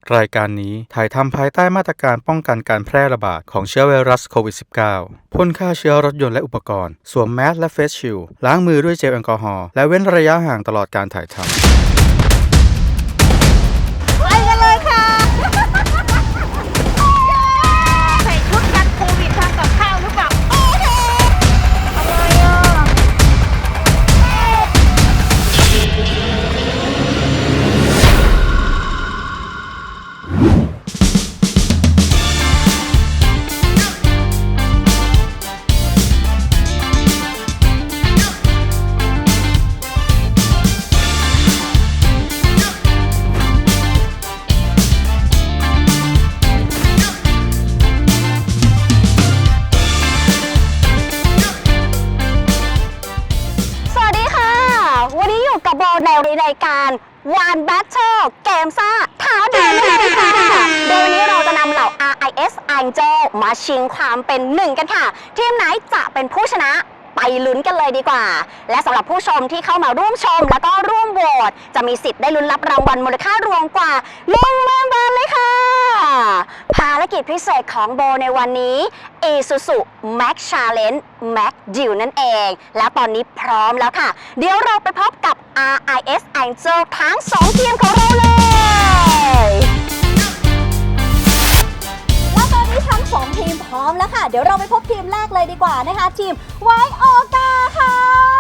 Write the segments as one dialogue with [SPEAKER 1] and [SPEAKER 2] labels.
[SPEAKER 1] รายการนี้ถ่ายทำภายใต้มาตรการป้องกันการแพร่ระบาดของเชื้อไวรัสโควิด -19 พ่นฆ่าเชื้อรถยนต์และอุปกรณ์สวมแมสและเฟสชิลด์ล้างมือด้วยเจลแอลกอฮอล์และเว้นระยะห่างตลอดการถ่ายทำ
[SPEAKER 2] ไปกันเลยค่ะใส่ชุดกันโควิดทำกับข้าวหรือเปล่าโอเคอะไรอ่ะในรายการวันแบทเทิลเกมซ่าท้าดวลเลยค่ะโดยวันนี้เราจะนำเหล่า RIS Angel มาชิงความเป็นหนึ่งกันค่ะทีมไหนจะเป็นผู้ชนะไปลุ้นกันเลยดีกว่าและสำหรับผู้ชมที่เข้ามาร่วมชมแล้วก็ร่วมโหวตจะมีสิทธิ์ได้ลุ้นรับรางวัลมูลค่ารวมกว่า10,000 บาทเลยค่ะภารกิจพิเศษของโบในวันนี้ Isuzu Max Challenge Max Deal นั่นเองและตอนนี้พร้อมแล้วค่ะเดี๋ยวเราไปพบกับ RIS Angel ทั้ง2ทีมของเราเลยและตอนนี้ทั้ง2ทีมพร้อมแล้วค่ะเดี๋ยวเราไปพบทีมแรกเลยดีกว่านะคะทีมไวโอกาค่ะ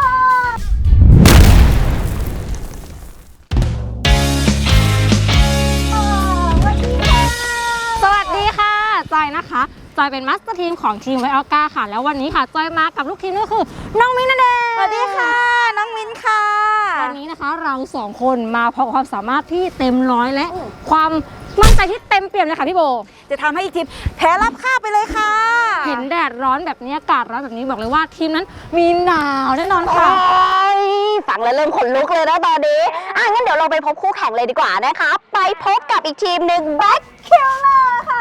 [SPEAKER 3] สวัสดีค่ะจอยนะคะจอยเป็นมาสเตอร์ทีมของทีมไวโอก้าค่ะแล้ววันนี้ค่ะจอยมากับลูกทีมก็คือน้องมิ้นนั่นเอง
[SPEAKER 2] สวัสดีค่ะน้องมิ้นค่ะ
[SPEAKER 3] วันนี้นะคะเรา2คนมาพร้อมความสามารถที่เต็มร้อยและความมั่นใจที่เต็มเปี่ยมเลยค่ะพี่โบ
[SPEAKER 2] จะทำให้อีกทีมแพ้รับค่าไปเลยค่ะ
[SPEAKER 3] เห็นแดดร้อนแบบนี้อากาศร้อนแบบนี้บอกเลยว่าทีมนั้นมีหนาวแน่นอนค่ะ
[SPEAKER 2] ฟังแล้วเริ่มขนลุกเลยนะตอนนี้งั้นเดี๋ยวเราไปพบคู่แข่งเลยดีกว่านะคะไปพบกับอีกทีมหนึ่งแบ็คคิลเลอร์ค่ะ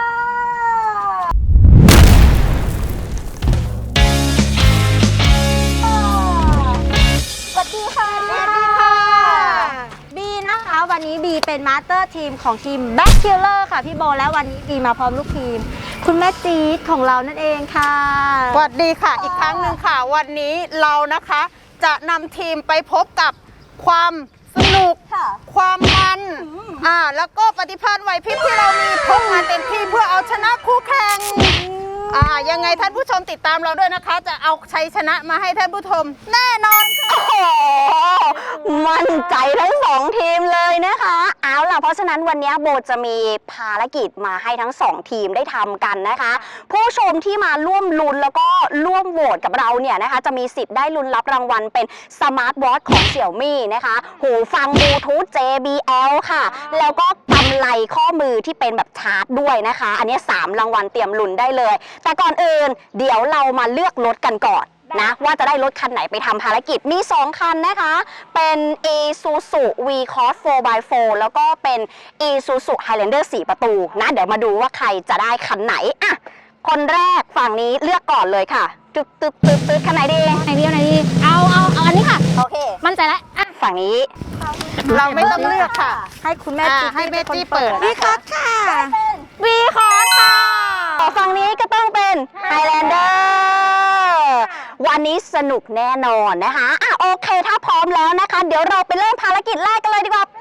[SPEAKER 2] สวัสดีค่ะ
[SPEAKER 3] สวัสดีค่ะบีนะคะวันนี้บีเป็นมาสเตอร์ทีมของทีมแบ็คคิลเลอร์ค่ะพี่โบแล้ววันนี้บีมาพร้อมลูกทีมคุณแม่จี๊ดของเรานั่นเองค่ะ
[SPEAKER 4] สวัสดีค่ะอีกครั้งหนึ่งค่ะวันนี้เรานะคะจะนำทีมไปพบกับความสนุกความมันแล้วก็ปฏิภาณไหวพริบที่เรามีพกมาเต็มที่เพื่อเอาชนะคู่แข่งยังไงท่านผู้ชมติดตามเราด้วยนะคะจะเอาชัยชนะมาให้ท่านผู้ชมแน่นอนค่ะ
[SPEAKER 2] โอ้มั่นใจทั้ง2ทีมเลยนะคะเอาล่ะเพราะฉะนั้นวันนี้โบจะมีภารกิจมาให้ทั้ง2ทีมได้ทำกันนะคะผู้ชมที่มาร่วมลุ้นแล้วก็ร่วมโหวตกับเราเนี่ยนะคะจะมีสิทธิ์ได้ลุ้นรับรางวัลเป็นสมาร์ทวอทของ Xiaomi นะคะหูฟังบลูทูธ JBL ค่ะแล้วก็กำไลข้อมือที่เป็นแบบชาร์จด้วยนะคะอันนี้3รางวัลเตรียมลุ้นได้เลยแต่ก่อนอื่นเดี๋ยวเรามาเลือกรถกันก่อนนะว่าจะได้รถคันไหนไปทำภารกิจมี2คันนะคะเป็น Isuzu V-Cross 4x4 แล้วก็เป็น Isuzu Highlander 4 ประตูนะเดี๋ยวมาดูว่าใครจะได้คันไหนอ่ะคนแรกฝั่งนี้เลือกก่อนเลยค่ะตึ๊ดคันไหนดี
[SPEAKER 3] ไหนดีเอาอันนี้ค่ะ
[SPEAKER 2] โอเค
[SPEAKER 3] มั่นใจแล้ว
[SPEAKER 2] ฝั่งนี้
[SPEAKER 4] เราไม่ต้องเลือกค่ะ
[SPEAKER 2] ให้คุณแม่
[SPEAKER 4] ให้แม่จี้เปิด
[SPEAKER 2] วีคอร์สค่ะ
[SPEAKER 3] วีคอร์สค่ะ
[SPEAKER 2] ฝั่งนี้ก็ต้องเป็น Highlander วันนี้สนุกแน่นอนนะคะโอเคถ้าพร้อมแล้วนะคะเดี๋ยวเราไปเริ่มภารกิจแรกกันเลยดีกว่าไป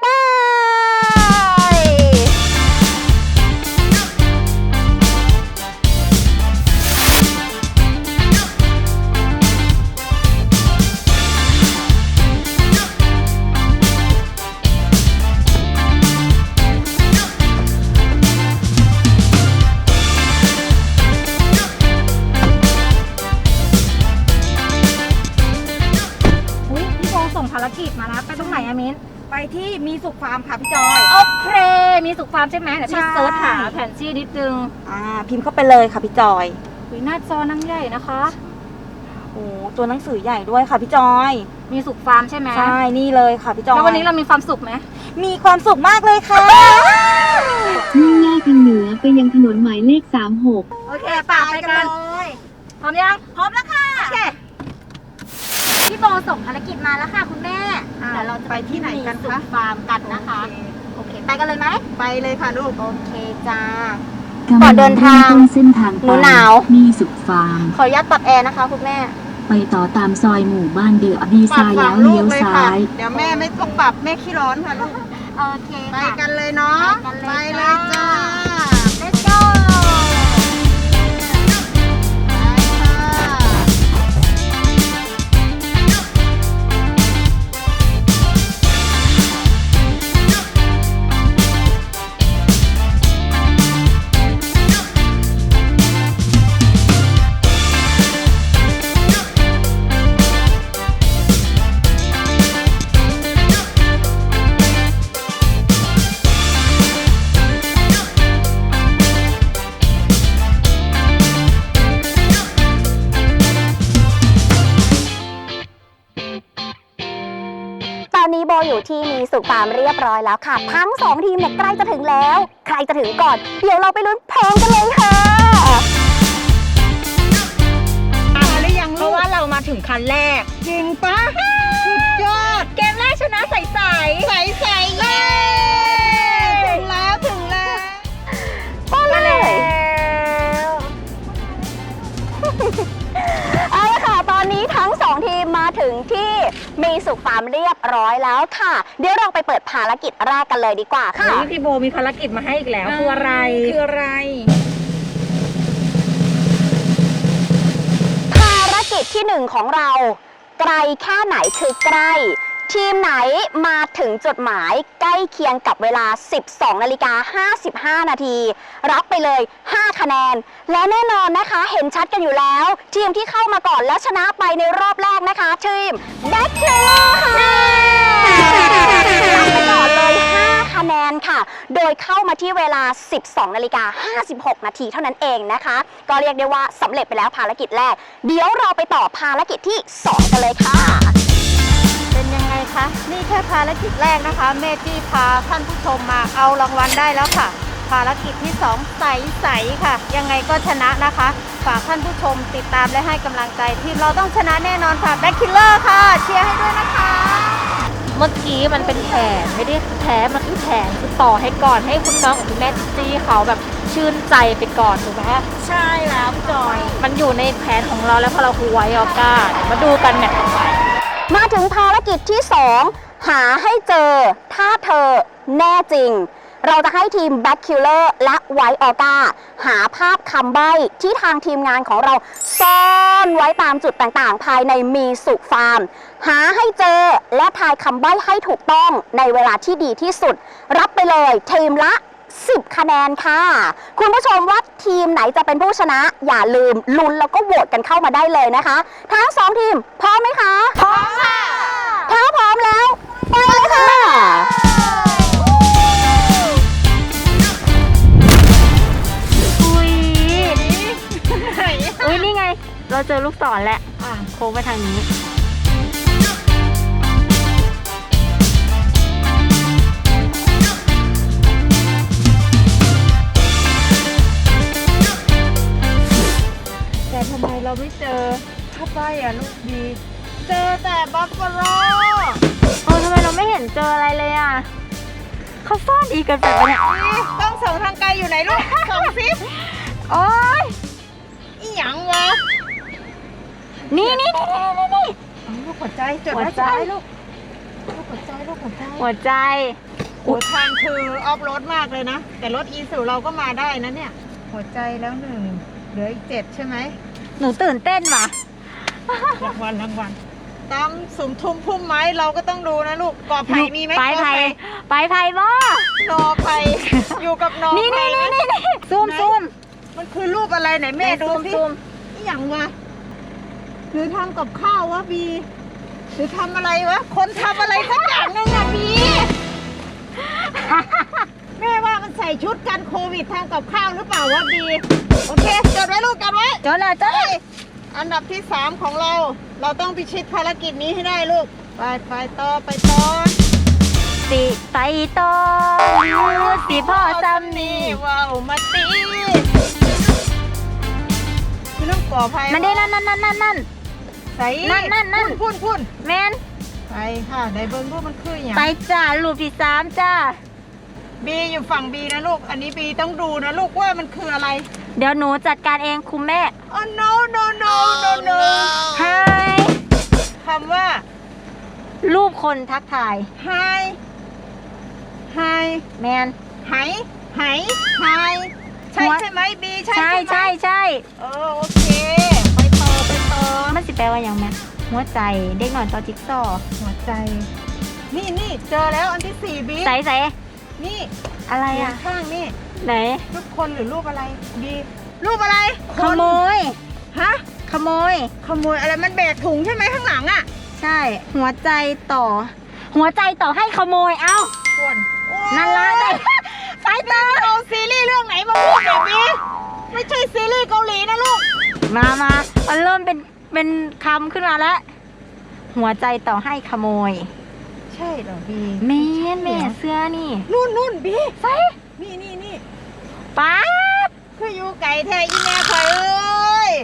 [SPEAKER 3] ภารกิจมาแล้วไปตรงไหนอะมิ้น
[SPEAKER 4] ไปที่มีสุขฟาร์มค่ะพี่จอย
[SPEAKER 3] โอเคมีสุขฟาร์มใช่ไหมเดี๋ยวพี่เซิร์ชหาแผนที่นิดนึง
[SPEAKER 4] พิมพ์เข้าไปเลยค่ะพี่จอย
[SPEAKER 3] หน้าจอนั่งใหญ่นะคะ
[SPEAKER 4] โอ้ตัวหนังสือใหญ่ด้วยค่ะพี่จอย
[SPEAKER 3] มีสุขฟาร์มใช่ไหม
[SPEAKER 4] ใช่นี่เลยค่ะพี่จอย
[SPEAKER 3] แล้ววันนี้เรามีความสุขไหม
[SPEAKER 4] มีความสุขมากเลยค่ะ
[SPEAKER 5] มุ่งหน้าทางเหนือไปยังถนนหมายเลข36
[SPEAKER 3] โอเคป่าไปกันพร้อมยัง
[SPEAKER 4] พร้อมแล้วค่ะ
[SPEAKER 3] โอเคพี่โบส่งภารกิจมาแล้วค่ะคุณแม่
[SPEAKER 4] เดี๋ยวเราจะไปที่ไหนกันคะ
[SPEAKER 3] ฟาร์มกันนะคะโอเคไปกันเลยไหม
[SPEAKER 4] ไปเลยค่ะลูก
[SPEAKER 3] โอเคจ้า
[SPEAKER 5] กำ
[SPEAKER 3] ก่
[SPEAKER 5] ลั
[SPEAKER 3] อน
[SPEAKER 5] ง
[SPEAKER 3] เดินทาง
[SPEAKER 5] เริ่มต้นเส้นทาง
[SPEAKER 3] หนูหนาว
[SPEAKER 5] มีสุขฟาร์ม
[SPEAKER 3] ขออนุญาตปรับแอร์นะคะคุณแม่
[SPEAKER 5] ไปต่อตามซอยหมู่บ้านเดือดีไซน์แล้วเลี้ยวซ้าย
[SPEAKER 4] เดี๋ยวแม่ไม่ต้องปรับแม่ขี้ร้อนค่ะลูก
[SPEAKER 3] โอเค
[SPEAKER 4] ไป
[SPEAKER 3] ค่ะ
[SPEAKER 4] กันเลยเนาะ
[SPEAKER 3] ไปกันเลย
[SPEAKER 4] ไปเลยจ้า
[SPEAKER 3] Let's go
[SPEAKER 2] ตอนนี้โบอยู่ที่มีสุขฟาร์มเรียบร้อยแล้วค่ะ ทั้ง 2 ทีมเนี่ยใกล้จะถึงแล้ว ใครจะถึงก่อน เดี๋ยวเราไปลุ้นพร้อมกันเลยค่ะ
[SPEAKER 4] มาหรือยัง
[SPEAKER 3] เพ
[SPEAKER 4] ลู
[SPEAKER 3] ราะ
[SPEAKER 4] ก
[SPEAKER 3] ว่าเรามาถึงคันแรก
[SPEAKER 4] จริงปะสุดยอด
[SPEAKER 3] เกมแรกชนะใส
[SPEAKER 4] ใส่เย้ถึงแล้วถึงแล้ว
[SPEAKER 2] ก็เลย เอาละค่ะ ตอนนี้ทั้ง 2 ทีมมาถึงที่มีสุขฟาร์มเรียบร้อยแล้วค่ะ เดี๋ยวเราไปเปิดภารกิจแรกกันเลยดีกว่าค่ะ
[SPEAKER 3] พี่โบมีภารกิจมาให้อีกแล้วคืออะไร
[SPEAKER 4] คืออะไร
[SPEAKER 2] ภารกิจที่ 1 ของเรา ไกลแค่ไหนคือใกล้ ทีมไหนมาถึงจุดหมายใกล้เคียงกับเวลา 12:55 นาที รับไปเลย 5 คะแนน และแน่นอนนะคะ เห็นชัดกันอยู่แล้ว ทีมที่เข้ามาก่อนและชนะไปในรอบแรกนะคะ ทีมแบ็คเทลค่ะรับไปก่อนเลย 5 คะแนนค่ะ โดยเข้ามาที่เวลา 12:56 นาทีเท่านั้นเองนะคะ ก็เรียกได้ว่าสำเร็จไปแล้วภารกิจแรก เดี๋ยวเราไปต่อภารกิจที่ 2 กันเลยค่ะ
[SPEAKER 4] เป็นยังไงคะ นี่แค่ภารกิจแรกนะคะ เมจี้พาท่านผู้ชมมาเอารางวัลได้แล้วค่ะ ภารกิจที่ 2 ใสๆค่ะ ยังไงก็ชนะนะคะ ฝากท่านผู้ชมติดตามและให้กำลังใจทีมเราต้องชนะแน่นอนค่ะแบ็คคิลเลอร์ค่ะ เชียร์ให้ด้วยนะคะ
[SPEAKER 3] เมื่อกี้มันเป็นแผนไม่ได้แพ้มันคือแผนคือต่อให้ก่อนให้คุณน้องกับคุณแม่จี้เขาแบบชื่นใจไปก่อนถูกไหม
[SPEAKER 4] ใช่แล้วจอย
[SPEAKER 3] มันอยู่ในแผนของเราแล้วพอเราคุยไว้ออก้าเดี๋ยวมาดูกันแมตช์ต่อไป
[SPEAKER 2] มาถึงภารกิจที่ 2 หาให้เจอถ้าเธอแน่จริง เราจะให้ทีม Back Killer และ White Orca หาภาพคำใบ้ที่ทางทีมงานของเราซ่อนไว้ตามจุดต่างๆ ภายในมีสุฟาร์ม หาให้เจอและทายคำใบ้ให้ถูกต้องในเวลาที่ดีที่สุด รับไปเลยทีมละ 10 คะแนนค่ะ คุณผู้ชมว่าทีมไหนจะเป็นผู้ชนะ อย่าลืมลุ้นแล้วก็โหวตกันเข้ามาได้เลยนะคะ ทั้ง 2 ทีมพร้อมไหมคะ
[SPEAKER 4] พร้อมค่ะ
[SPEAKER 2] ถ้าพร้อมแล้ว ไปเลยค่ะ
[SPEAKER 3] อุ้ยนี่ไง เราเจอลูกศรแล้วโค้งไปทางนี้
[SPEAKER 4] แต่ทำไมเราไม่เจอผ้าป้ายอ่ะลูกดี เจอแต่บัฟฟาโล
[SPEAKER 3] ทำไมเราไม่เห็นเจออะไรเลยอ่ะเขาซ่อนอีกกันไปปะเนี่ย
[SPEAKER 4] ต้องส่งทางไกลอยู่ไหนลูก ส่งซิป
[SPEAKER 3] โอ๊ย
[SPEAKER 4] อีหยังวะ
[SPEAKER 3] นี่
[SPEAKER 4] ลูกหัวใจจด
[SPEAKER 3] หัว
[SPEAKER 4] ไว้
[SPEAKER 3] ใจ
[SPEAKER 4] ลูกหัวใจลูกหัวใจ
[SPEAKER 3] หัวใจ
[SPEAKER 4] โอ้ทางคือออฟโรดมากเลยนะ แต่รถอีซูเราก็มาได้นะเนี่ย หัวใจแล้ว1เหลืออีก7ใช่ไหม
[SPEAKER 3] หนูตื่นเต้นว่ะ
[SPEAKER 4] รางวัลตามสุมทุมพุ่มไม้เราก็ต้องดูนะลูกกอไผ่มีไหม
[SPEAKER 3] ไป
[SPEAKER 4] กอ
[SPEAKER 3] ไผ่
[SPEAKER 4] ไผ่
[SPEAKER 3] ไปไผ่บ่
[SPEAKER 4] นอไผ่อยู่กับนอ
[SPEAKER 3] นี่
[SPEAKER 4] ไผ่ไหม
[SPEAKER 3] ซูม
[SPEAKER 4] มันคือรูปอะไรไหนแม่ดูสิ
[SPEAKER 3] ซูม
[SPEAKER 4] อีหยังวะหรือทำกับข้าววะบีหรือทำอะไรวะคนทำอะไรสักอย่างนึงอะบี แม่ว่ามันใส่ชุดกันโควิดทำกับข้าวหรือเปล่าวะบีโอเคจดไว้ลูกจดไว้
[SPEAKER 3] จดเลยจดเลย
[SPEAKER 4] อันดับที่ 3 ของเรา เราต้องพิชิตภารกิจนี้ให้ได้ลูก ไปต่อ
[SPEAKER 3] สิไปต่อสิพ่อซ้ำนี่
[SPEAKER 4] ว้าวมาตีคือเรื่องก่อภัย
[SPEAKER 3] นั่นดินั่น
[SPEAKER 4] ใส่
[SPEAKER 3] นั่น
[SPEAKER 4] พุ่น
[SPEAKER 3] แมน
[SPEAKER 4] ไปค่ะในเบิ้งรูปมันคืออย่าง
[SPEAKER 3] ไปจ้าลูกที่3จ้า
[SPEAKER 4] บีอยู่ฝั่งบีนะลูก อันนี้บีต้องดูนะลูกว่ามันคืออะไร
[SPEAKER 3] เดี๋ยวหนูจัดการเองคุณแม่
[SPEAKER 4] Oh no no no no no
[SPEAKER 3] Hi
[SPEAKER 4] คำว่า
[SPEAKER 3] รูปคนทักทาย
[SPEAKER 4] Hi Hi
[SPEAKER 3] แมน
[SPEAKER 4] ไหไหHi ใช่
[SPEAKER 3] หัว
[SPEAKER 4] ใช่ไหมบีใช่
[SPEAKER 3] ใช่
[SPEAKER 4] ไหม
[SPEAKER 3] ใช่ใช่
[SPEAKER 4] โอเค ไปต่อไปต่อ
[SPEAKER 3] มันสิแปลว่าอย่างแม่หัวใจเด็กหน่อยต่อจิ๊กซอว์
[SPEAKER 4] หัวใจ นี่เจอแล้วอันที่สี่บี
[SPEAKER 3] ใส่ใส่
[SPEAKER 4] นี่
[SPEAKER 3] อะไร
[SPEAKER 4] เขีย
[SPEAKER 3] อ่ะ
[SPEAKER 4] นข้างนี่
[SPEAKER 3] ไหน
[SPEAKER 4] รูปคนหรือรูปอะไรบีรูปอะไร
[SPEAKER 3] ขโมย
[SPEAKER 4] ฮะ
[SPEAKER 3] ขโมย
[SPEAKER 4] ขโมยอะไรมันแบกถุงใช่ไหมข้างหลังอ่ะ
[SPEAKER 3] ใช่ หัวใจต่อ หัวใจต่อให้ขโมย เอ้า
[SPEAKER 4] ส่วน
[SPEAKER 3] นั่นละได้
[SPEAKER 4] สายตาเอาซีรีส์เรื่องไหนมาพูดแบบนี้ไม่ใช่ซีรีส์เกาหลีนะลูก
[SPEAKER 3] มามันเริ่มเป็นคำขึ้นมาแล้ว หัวใจต่อให้ขโมย
[SPEAKER 4] ใช่เหรอบี
[SPEAKER 3] แม่เสื้อนี่
[SPEAKER 4] นู่นบี
[SPEAKER 3] ใส่
[SPEAKER 4] นี่
[SPEAKER 3] ป๊าบ
[SPEAKER 4] คืออยู่ไก่แท้อีแม่คอยเอ้ย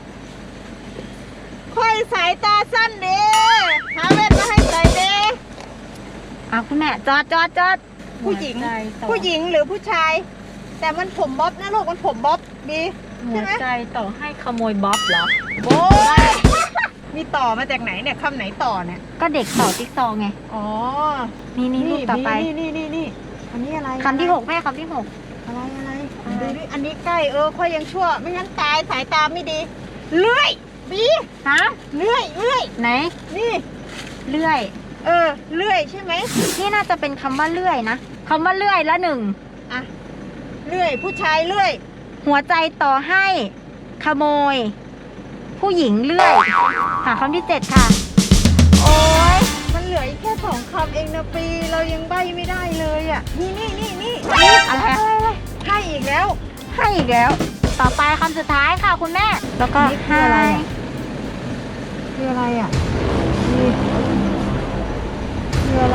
[SPEAKER 4] ค่อยสายตาสั้นเด้หาแว่นมาให้ใส่เด้
[SPEAKER 3] เอาคุณแม่จอด
[SPEAKER 4] ผู้หญิง
[SPEAKER 3] หัวใจต่อ
[SPEAKER 4] ผู้หญิงหรือผู้ชาย แต่มันผมบ๊อบนะลูกมันผมบ๊อบบี
[SPEAKER 3] หัวใจต่อให้ขโมยบ๊อบเหรอ
[SPEAKER 4] โอ้ยมีต่อมาจากไหนเนี่ยคำไหนต่อเนี่ย
[SPEAKER 3] ก็เด็กต่อจิ๊กซอว์ไง
[SPEAKER 4] อ๋อ
[SPEAKER 3] นี่รูปต่อไป
[SPEAKER 4] นี่อันนี้อะไร
[SPEAKER 3] คำที่ 6 แม่คำที่
[SPEAKER 4] อะไรดูดิอันนี้ใกล้ค่อยยังชั่ว ไม่งั้นตายสายตาไม่ดี เลื่อยบี
[SPEAKER 3] 6 ฮะ
[SPEAKER 4] เลื่อย
[SPEAKER 3] ไหน
[SPEAKER 4] นี่
[SPEAKER 3] เลื่อย
[SPEAKER 4] เลื่อยใช่ไหม
[SPEAKER 3] นี่น่าจะเป็นคำว่าเลื่อยนะคำว่าเลื่อยละหนึ่ง
[SPEAKER 4] อ่ะเลื่อยผู้ชายเลื่อย
[SPEAKER 3] หัวใจต่อให้ขโมย ผู้หญิงเลื่อยหาคำที่ 7 ค่ะ โอ้ย
[SPEAKER 4] มันเหลืออีกแค่2 คำเองนะปีเรายังใบ้ไม่ได้เลยอ่ะนี่
[SPEAKER 3] อะไร
[SPEAKER 4] ให้อีกแล้ว
[SPEAKER 3] ให้อีกแล้ว ต่อไปคำสุดท้ายค่ะคุณแม่ แล้วก็
[SPEAKER 4] นี่คืออะไรอะ คืออะไรอ่ะนี่คืออะไร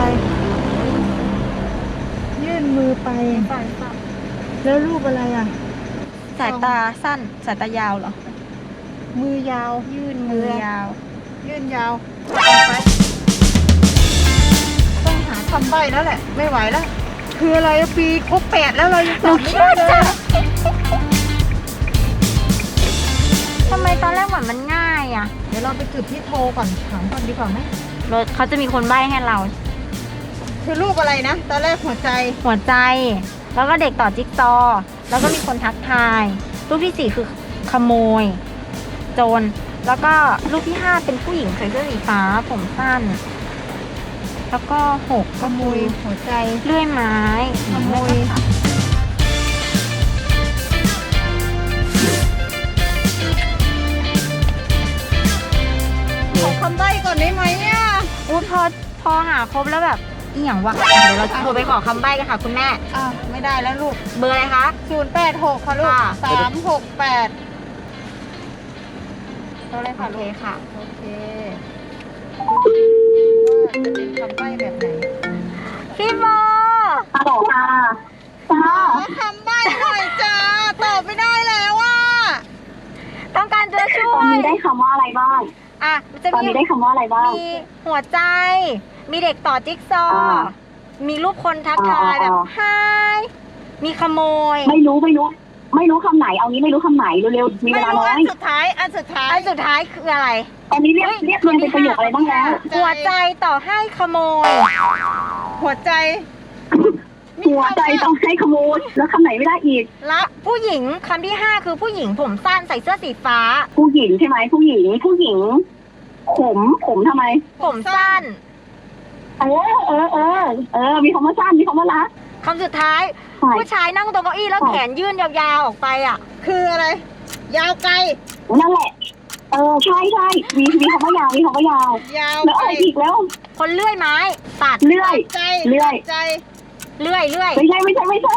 [SPEAKER 4] ยื่นมือไป แล้วรูปอะไรอ่ะ
[SPEAKER 3] สายตาสั้น สายตายาวเหรอ
[SPEAKER 4] มือยาว
[SPEAKER 3] ยื่นมือยาว
[SPEAKER 4] ยื่นยาวไปต้องหาคำใบ้แล้วแหละ ไม่ไหวแล้ว คืออะไรอะปีครบ8แล้วเรายังตอบไม่ได้เลยอะ
[SPEAKER 3] ทำไมตอนแรกเหมือนมันง่ายอ่ะ
[SPEAKER 4] เดี๋ยวเราไปจุดที่โทรก่อนถามก่อนดีกว่าไหม
[SPEAKER 3] เขาจะมีคนใบ้ให้เรา
[SPEAKER 4] คือรูปอะไรนะ ตอนแรกหัวใจ
[SPEAKER 3] หัวใจ แล้วก็เด็กต่อจิ๊กซอว์แล้วก็มีคนทักทาย รูปที่ 4 คือขโมย โจร แล้วก็รูปที่ 5 เป็นผู้หญิงใส่เสื้อสีฟ้าผมสั้น แล้วก็ 6
[SPEAKER 4] ขโมยหัวใจ
[SPEAKER 3] เลื่อยไม้
[SPEAKER 4] ขโมย ขอคำใบ้ก่อนได้ไหมเนี่ย
[SPEAKER 3] อู้พอหาครบแล้วแบบอีหยังวะ เดี๋ยวเราโทรไปขอคำใบ้กันค่ะคุณแม่
[SPEAKER 4] ไม่ได้แล้วลูก
[SPEAKER 3] เบอร์อะไรคะ
[SPEAKER 4] 086 ค่ะลูก
[SPEAKER 3] ค่ะ
[SPEAKER 4] 368
[SPEAKER 3] โอเคค่ะ
[SPEAKER 4] โอเคว่าจะเป็นคำใบ้แบบไหน
[SPEAKER 3] พี่โบ
[SPEAKER 2] ฮัลโหลค่ะ
[SPEAKER 4] ขอคำใบ้หน่อยจ้า ตอบไม่ได้แล้วว่า
[SPEAKER 3] ต้องการจะช่
[SPEAKER 2] ต
[SPEAKER 3] ว
[SPEAKER 2] อน
[SPEAKER 3] ย
[SPEAKER 2] นี้ได้คำว่าอะไรบ้าง
[SPEAKER 3] อ่ะจะ
[SPEAKER 2] ตอน
[SPEAKER 3] มี
[SPEAKER 2] นี้ได้คำว่าอะไรบ้าง
[SPEAKER 3] มีหัวใจ มีเด็กต่อจิ๊กซอว์
[SPEAKER 2] อ่า
[SPEAKER 3] มีรูปคนทักทายแบบไฮมีขโมย
[SPEAKER 2] ไม่รู้คำไหน เอางี้ไม่รู้คำไหนเร็วๆ มีเว
[SPEAKER 4] ไม่
[SPEAKER 2] ลา
[SPEAKER 4] รู้
[SPEAKER 2] น้อ
[SPEAKER 4] อั
[SPEAKER 2] ย
[SPEAKER 4] นสุดท้าย อันสุดท้าย
[SPEAKER 3] อันสุดท้ายคืออะไร
[SPEAKER 2] ตอนนี้เรียกเรียนเป็นประโยคอะไรบ้างแล้ว
[SPEAKER 3] หัวใจต่อให้ขโมย
[SPEAKER 4] หัวใจ
[SPEAKER 2] หัวใจต้องให้ขโมย แล้วคำไหนไม่ได้อีก
[SPEAKER 4] รัก
[SPEAKER 3] ผู้หญิงคำที่ 5 คือผู้หญิงผมสั้นใส่เสื้อสีฟ้า
[SPEAKER 2] ผู้หญิงใช่ไหมผู้หญิง ผมทำไม
[SPEAKER 3] ผมสั้น
[SPEAKER 2] มีคำว่าสั้น มีคำว่ารัก
[SPEAKER 3] คำสุดท้าย
[SPEAKER 2] ใช่
[SPEAKER 3] ผู้ชายนั่งตรงเก้าอี้แล้วแขนยื่นยาวๆออกไปอ่ะ
[SPEAKER 4] คืออะไร ยาวไกล
[SPEAKER 2] นั่นแหละ ใช่มีคำว่ายาว มีคำว่ายาว
[SPEAKER 4] ยาว
[SPEAKER 2] แล้ว
[SPEAKER 4] ไกล
[SPEAKER 2] อะไรอีกแล้ว
[SPEAKER 3] คนเลื่อยไม้ ตัด
[SPEAKER 2] เลื่อย
[SPEAKER 4] ใจ
[SPEAKER 2] เลื่อย
[SPEAKER 4] ใจ
[SPEAKER 3] เลื่อย
[SPEAKER 2] ไม่ใช่เลื่อย ไม่ใช่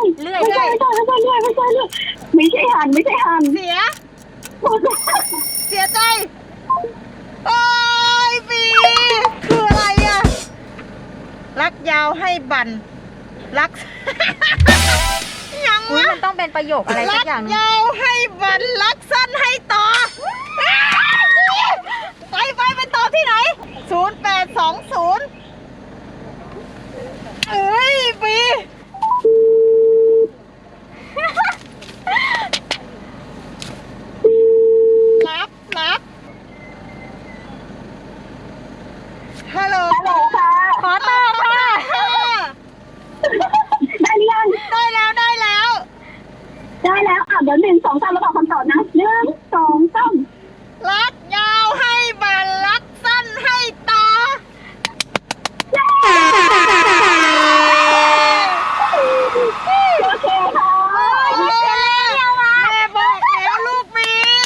[SPEAKER 2] หัน
[SPEAKER 4] เสีย เสียใจ โอ้ยบีคืออะไรอะรักยาวให้บันรัก ยัง
[SPEAKER 3] อุ๊ยว
[SPEAKER 4] ะ
[SPEAKER 3] มันต้องเป็นประโยคอะไรสั
[SPEAKER 4] รั
[SPEAKER 3] กอย่างหนึง
[SPEAKER 4] ยาวให้บันรักสั้นให้ต่อ ไปต่อที่ไหน 0820 เอ้ยบี
[SPEAKER 5] ได้แล้วเดี๋ยว1 2 3เราบอกคำตอบนะ1 2 3
[SPEAKER 4] รักยาวให้บันรักสั้นให้ต่อ
[SPEAKER 5] โอเคค่ะ
[SPEAKER 4] แม่บอกแล้วลูกมี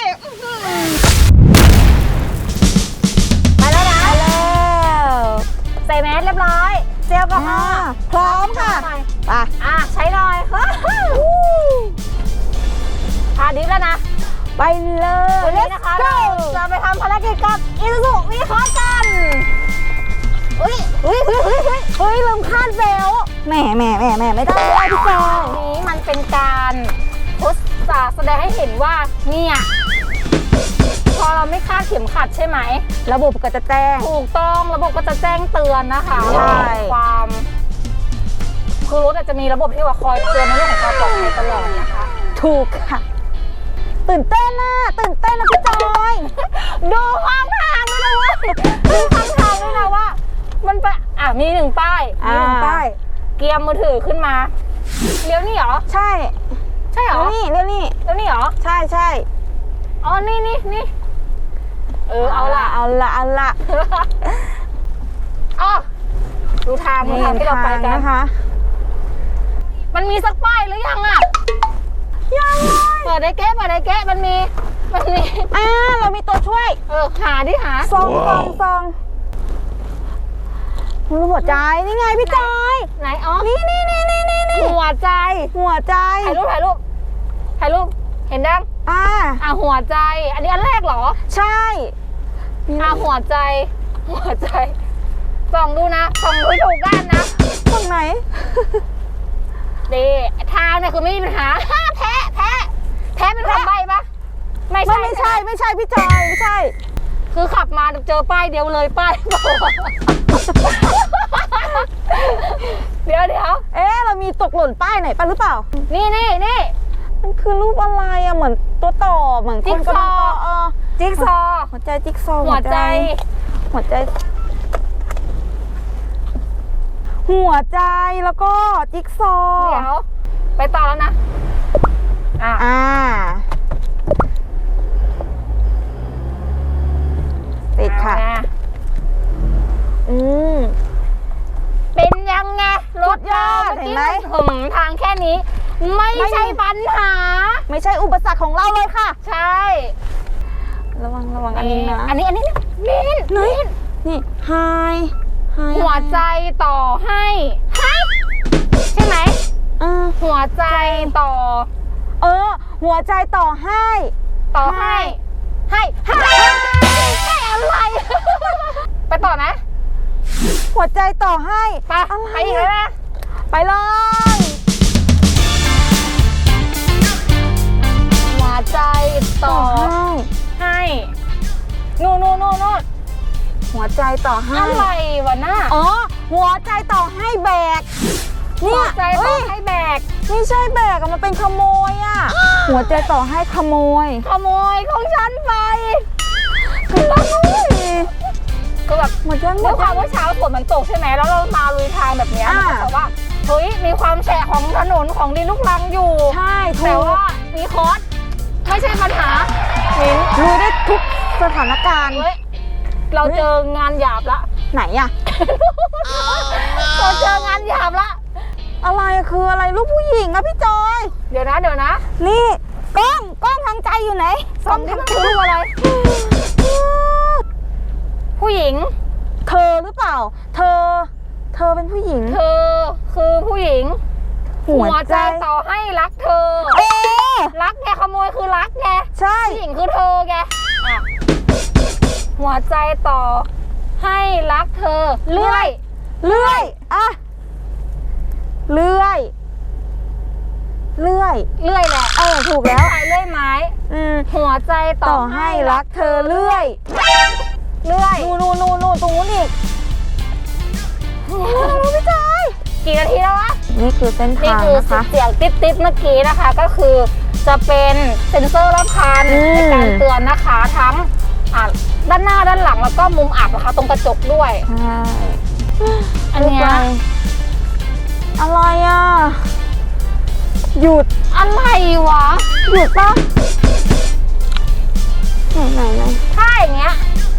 [SPEAKER 3] ไปแล้วนะใส่แมสเรียบร้อยเจลแอลกอฮอล์
[SPEAKER 4] พร้อมค่ะ
[SPEAKER 3] ไปใช้หน่อยทาดิฟแล้วนะ
[SPEAKER 4] ไปเลย
[SPEAKER 3] วันนี้นะคะเราจะไปทำภารกิจกับอิซูซุวีคอร์กันลืมคาดเบลแหมไม่ได้พี่จอยนี้มันเป็นการทดสอบแสดงให้เห็นว่าเนี่ยพอเราไม่คาดเข็มขัดใช่ไหมระบบก็จะแจ้งถูกต้องระบบก็จะแจ้งเตือนนะคะความคือรถอาจจะมีระบบที่ว่าคอยเตือนในเรื่องของความปลอดภัยตลอดนะคะถูกค่ะตื่นเต้นนะพี่จอยดูข้างทางด้วยนะเว้ยดูข้างทางด้วยนะว่ามันไปมีหนึ่งป้ายเกียร์มือถือขึ้นมาเลี้ยวนี่เหรอใช่เหรอเลี้ยวนี่เหรอใช่อ๋อนี่เอาละอ๋อดูทางที่เราไปกันนะคะมันมีสักป้ายหรือยังอ่ะยังเปิดได้แก้มันมีเรามีตัวช่วยหาซองหัวใจนี่ไงพี่จอยไหนอ๋อนี่หัวใจถ่ายรูปเห็นดังหัวใจอันนี้อันแรกเหรอใช่หัวใจส่องดูนะส่องดูถูกด้านนะตรงไหนดีทางเนี่ยคือไม่มีปัญหาแพ้เป็นคำใบ้ปะไม่ใช่พี่จอยไม่ใช่คือขับมาเจอป้ายเดียวเลยป้ายเดี๋ยวเรามีตกหล่นป้ายไหนป่ะหรือเปล่านี่มันคือรูปอะไรอะเหมือนตัวต่อเหมือนคนกำลังต่อจิ๊กซอหัวใจจิ๊กซอหัวใจแล้วก็จิ๊กซอเดี๋ยวไปต่อแล้วนะติดค่ะเป็นยังไงรถยอดเห็นไหมทางแค่นี้ไม่ใช่ปัญหาไม่ใช่อุปสรรคของเราเลยค่ะใช่ระวังอันนี้นะอันนี้นี่ไฮหัวใจต่อให้ใช่ไหมหัวใจต่อหัวใจต่อให้อะไรไปต่อนะหัวใจต่อให้ไปอีกแล้วนะไปเลยหัวใจต่อให้นู่นหัวใจต่อให้อะไรวะน่ะหัวใจต่อให้แบกหัวใจต่อให้แบกไม่ใช่แบกมันเป็นขโมยหัวใจต่อให้ขโมยของฉันไปคือแบบด้วยความว่าเช้าฝนมันตกใช่ไหมแล้วเรามาลุยทางแบบนี้มันก็แบบว่าเฮ้ยมีความแฉะของถนนของดินลูกรังอยู่ใช่แต่ว่ามีคอร์สไม่ใช่ปัญหาลุยได้ทุกสถานการณ์เราเจองานหยาบละไหนเราเจองานหยาบละอะไรคืออะไรลูกผู้หญิงพี่จอยเดี๋ยวนะนี่กล้องทางใจอยู่ไหนกล้องทางใจรูปอะไรผู้หญิงเธอหรือเปล่าเธอเป็นผู้หญิงเธอคือผู้หญิงหัวใจต่อให้รักเธอรักแกขโมยคือรักแกใช่ผู้หญิงคือเธอแกหัวใจต่อให้รักเธอเลื่อยแหละถูกแล้วเลื่อยไม้หัวใจต่อให้รักเธอเลื่อยนู่นตรงนู้นอีกพี่จอยกี่นาทีแล้ววะนี่คือเส้นทางนะคะเสียงติ๊บเมื่อกี้นะคะก็คือจะเป็นเซ็นเซอร์รอบคันในการเตือนนะคะทั้งด้านหน้าด้านหลังแล้วก็มุมอับนะคะตรงกระจกด้วยใช่อันนี้อะไรหยุดอะไรวะหยุดปะไหนถ้าอย่างเงี้ย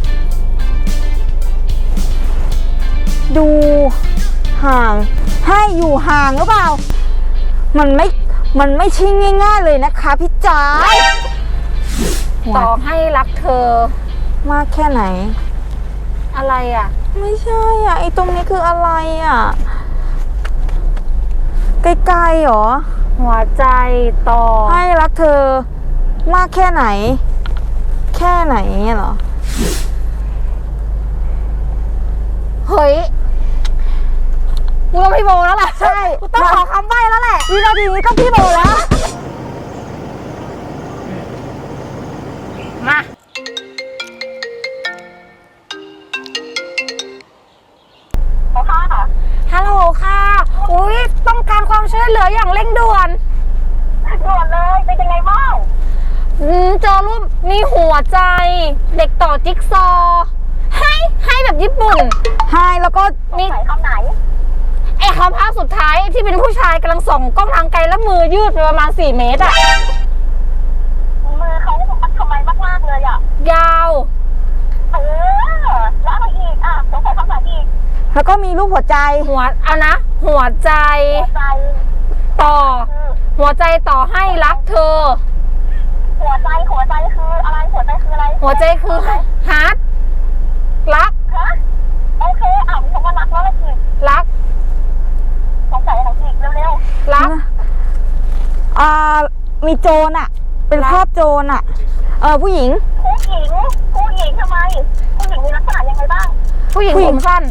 [SPEAKER 3] ดูห่างให้อยู่ห่างหรือเปล่ามันไม่ใช่ง่ายๆเลยนะคะพี่จ๋าต่อให้รักเธอมากแค่ไหนอะไรอ่ะไม่ใช่อ่ะไอ้ตรงนี้คืออะไรอ่ะไกลๆหรอหัวใจต่อให้รักเธอมากแค่ไหนแค่ไหนเหรอเฮ้ยกูต้องพี่โบแล้วแหละใช่กูต้องขอคำใบ้แล้วแหละวินาทีนี้ต้องพี่โบแล้วมาฮัลโหลค่ะอุ้ยต้องการความช่วยเหลืออย่างเร่งด่วนเลยเป็นยังไงบ้างเจอรูปมีหัวใจเด็กต่อจิ๊กซอว์ให้แบบญี่ปุ่นให้แล้วก็มีคำไหนไอ้คำภาพสุดท้ายที่เป็นผู้ชายกำลังส่องกล้องทางไกลแล้วมือยืดไปประมาณ4 เมตรอะมือเขาทำไมมากๆเลยอะยาวแล้วอะไรอีกอ่ะสงสัยคำไหนอีกแล้วก็มีรูปหัวใจเอานะหัวใจต่อหัวใจต่อให้รักเธอหัวใจคืออะไรหัวใจคืออะไรหัวใจคือฮาร์ดรักโอเคมีคำว่ารักแล้วอะไรอีกรักสงสัยอะไรอีกเร็วๆรักมีโจรอ่ะเป็นภาพโจรอ่ะผู้หญิงทำไมผู้หญิงมีลักษณะยังไงบ้างผู้หญิงผมสั้น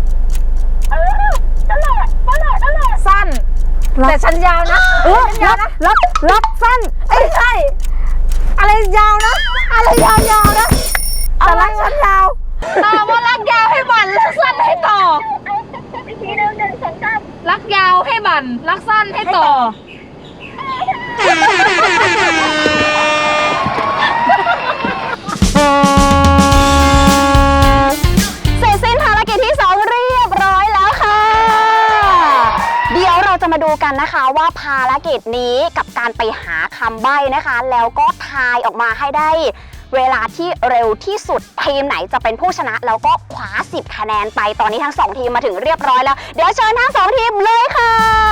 [SPEAKER 3] นั่นแหละสั้นแต่ฉันยาวนะรักสั้นไม่ใช่อะไรยาวนะอะไรยาวนะแต่รักฉันยาวตอบว่ารักยาวให้บั่นรักสั้นให้ต่ออีกทีนึงรักยาวให้บั่นรักสั้นให้ต่อ
[SPEAKER 2] เสร็จสิ้นภารกิจที่ 2 เรียบร้อยแล้วค่ะเดี๋ยวเราจะมาดูกันนะคะว่าภารกิจนี้กับการไปหาคำใบ้นะคะแล้วก็ทายออกมาให้ได้เวลาที่เร็วที่สุดทีมไหนจะเป็นผู้ชนะแล้วก็คว้า10 คะแนนไปตอนนี้ทั้ง2ทีมมาถึงเรียบร้อยแล้วเดี๋ยวเชิญทั้ง2ทีมเลยค่ะ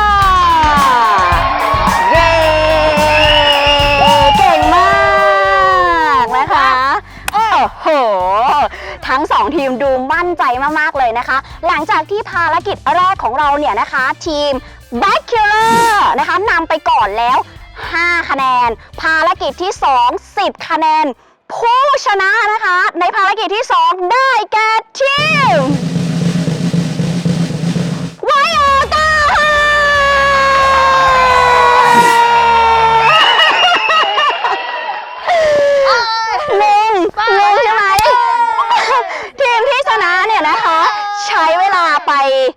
[SPEAKER 2] เย้เก่งมากนะคะโอ้โหทั้ง2ทีมดูมั่นใจมากๆเลยนะคะหลังจากที่ภารกิจแรกของเราเนี่ยนะคะทีม Bachelor นะคะนำไปก่อนแล้ว5 คะแนนภารกิจที่2 10 คะแนนผู้ชนะนะคะในภารกิจที่2ได้แก่ทีมไวโอต้าลุงใช่ไหมทีมที่ชนะเนี่ยนะคะใช้เวลาไป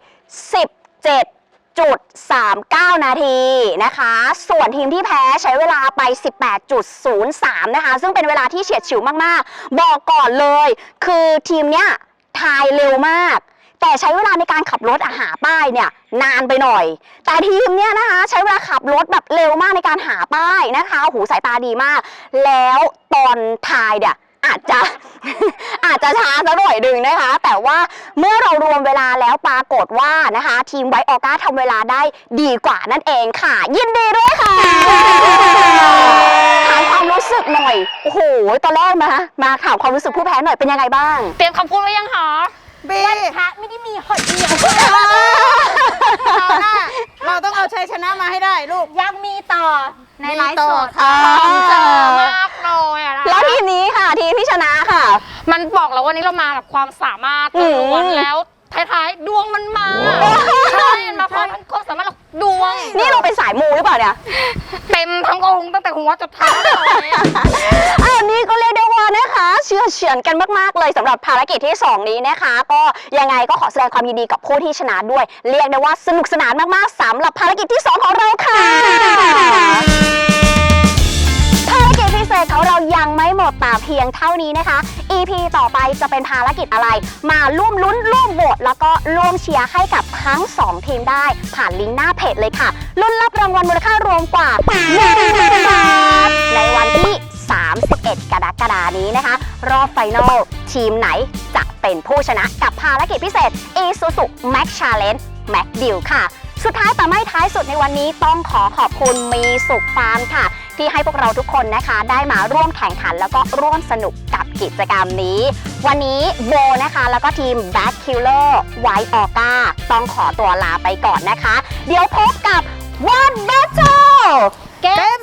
[SPEAKER 2] 17.39 นาทีนะคะส่วนทีมที่แพ้ใช้เวลาไป 18.03 นะคะซึ่งเป็นเวลาที่เฉียดฉิวมากๆบอกก่อนเลยคือทีมเนี้ยทายเร็วมากแต่ใช้เวลาในการขับรถหาป้ายเนี่ยนานไปหน่อยแต่ทีมเนี้ยนะคะใช้เวลาขับรถแบบเร็วมากในการหาป้ายนะคะโอ้โหสายตาดีมากแล้วตอนทายเนี่ยอาจจะช้าสักหน่อยหนึ่งนะคะแต่ว่าเมื่อเรารวมเวลาแล้วปรากฏว่านะคะทีมไวโอก้าทำเวลาได้ดีกว่านั่นเองค่ะยินดีด้วยค่ะถามความรู้สึกหน่อยโอ้โหตอนแรกมาถามความรู้สึกผู้แพ้หน่อยเป็นยังไงบ้าง
[SPEAKER 3] เตรียมคำพูดไว้ยังหรอวันพระไม่ได้มีหดเดียว
[SPEAKER 4] เราต้องเอาชัยชนะมาให้ได้ลูก
[SPEAKER 3] ยังมีต่อในไลฟ์สด
[SPEAKER 4] ค่ะ
[SPEAKER 3] เจอมากเลยอะ
[SPEAKER 2] แล้วทีมนี้ค่ะทีมที่ชนะค่ะ
[SPEAKER 3] มันบอกแล้ววันนี้เรามากับความสามารถล้วนแล้วท้ายๆดวงมันมาใช่มาพร้อมทั้งความสามารถดวง
[SPEAKER 2] นี่เราเป็นสายมูหรือเปล่าเนี่ย
[SPEAKER 3] เต็มทั้งองค์ตั้งแต่หัวจนเท้าเลย
[SPEAKER 2] อันนี้ก็เรียกได้ว่านะคะเฉือนกันมากๆเลยสำหรับภารกิจที่2นี้นะคะก็ยังไงก็ขอแสดงความยินดีกับผู้ที่ชนะด้วยเรียกได้ว่าสนุกสนานมากๆสำหรับภารกิจที่2ของเราค่ะภารกิจพิเศษของเรายังไม่หมดแต่เพียงเท่านี้นะคะ EP ต่อไปจะเป็นภารกิจอะไรมาร่วมลุ้นร่วมโหวตแล้วก็ร่วมเชียร์ให้กับทั้ง2ทีมได้ผ่านลิงก์หน้าเพจเลยค่ะลุ้นรับรางวัลมูลค่ารวมกว่า1,000 บาทในวันที่31 กรกฎาคมนี้นะคะ รอบไฟนอลทีมไหนจะเป็นผู้ชนะกับภารกิจพิเศษ Isuzu Max Challenge Max Deal ค่ะ สุดท้ายแต่ไม่ท้ายสุดในวันนี้ต้องขอขอบคุณมีสุขฟาร์มค่ะ ที่ให้พวกเราทุกคนนะคะได้มาร่วมแข่งขันแล้วก็ร่วมสนุกกับกิจกรรมนี้ วันนี้โบนะคะแล้วก็ทีม Back Killer White Orca ต้องขอตัวลาไปก่อนนะคะ เดี๋ยวพบกับ One Battle เกม